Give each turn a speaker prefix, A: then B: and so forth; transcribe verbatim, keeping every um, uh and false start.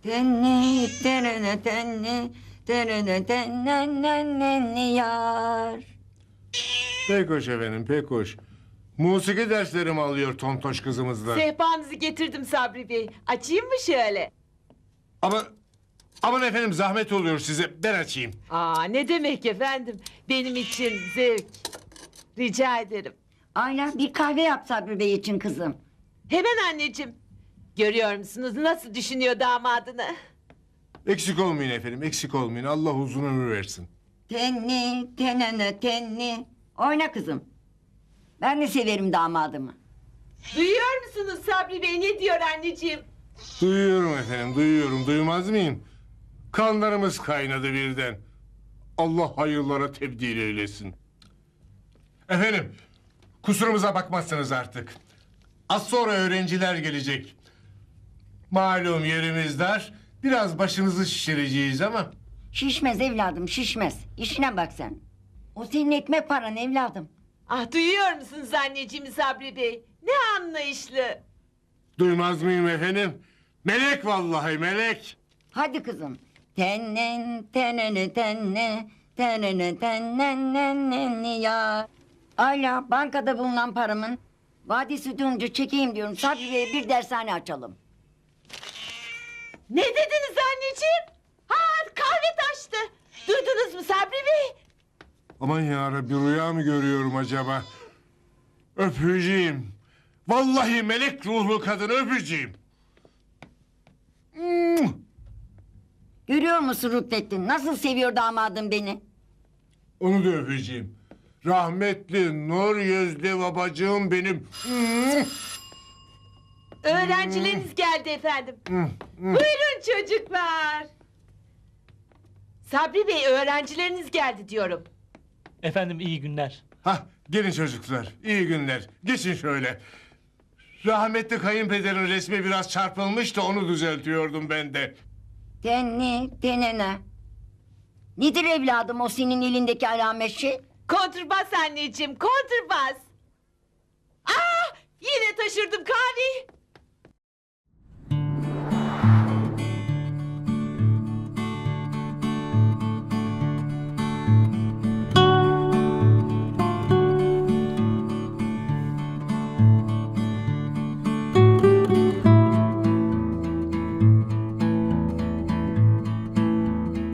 A: Tenni, tenene, tenni, tenene, tennennennenni yar.
B: Pek hoş efendim, pek hoş. Musiki derslerimi alıyor tontoş kızımızla.
C: Sehpanızı getirdim Sabri Bey. Açayım mı şöyle?
B: Ama aman efendim zahmet oluyor size. Ben açayım.
C: Aa, ne demek efendim? Benim için zevk. Rica ederim.
A: Ayla bir kahve yap Sabri Bey için kızım.
C: Hemen anneciğim. Görüyor musunuz nasıl düşünüyor damadını?
B: Eksik olmayın efendim, eksik olmayın. Allah uzun ömür versin.
A: Tenni, tenene, tenni. Oyna kızım. Ben de severim damadımı.
C: Duyuyor musunuz Sabri Bey ne diyor anneciğim?
B: Duyuyorum efendim, duyuyorum. Duymaz mıyım? Kanlarımız kaynadı birden. Allah hayırlara tebdil eylesin. Efendim, kusurumuza bakmazsınız artık. Az sonra öğrenciler gelecek. Malum yerimiz dar. Biraz başınızı şişireceğiz ama...
A: Şişmez evladım şişmez. İşine bak sen. O senin ekmek paran evladım.
C: Ah duyuyor musunuz anneciğimi Sabri Bey? Ne anlayışlı.
B: Duymaz mıyım efendim? Melek vallahi melek.
A: Hadi kızım. Tennen, tenene, tenne, tenene, tennennennenni yar. Ayla bankada bulunan paramın vadesi dönünce çekeyim diyorum. Sabri Bey'e bir dershane açalım.
C: Ne dediniz anneciğim? Ha kahve taştı. Duydunuz mu Sabri Bey?
B: Aman yarabbi rüya mı görüyorum acaba? Öpücüğüm. Vallahi melek ruhlu kadın öpücüğüm. Hmm.
A: Görüyor musun Rüknettin? Nasıl seviyor damadım beni?
B: Onu da öpeceğim. Rahmetli nur yüzlü babacığım benim. Hmm.
C: Öğrencileriniz geldi efendim.
B: Hmm, hmm.
C: Buyurun çocuklar. Sabri Bey öğrencileriniz geldi diyorum.
D: Efendim iyi günler.
B: Hah, gelin çocuklar. İyi günler. Geçin şöyle. Rahmetli kayınpederin resmi biraz çarpılmış da onu düzeltiyordum ben de.
A: Tenni, tenene. Nedir evladım o senin elindeki alamet şey?
C: Kontrbas anneciğim kontrbas. Aa yine taşırdım kahveyi.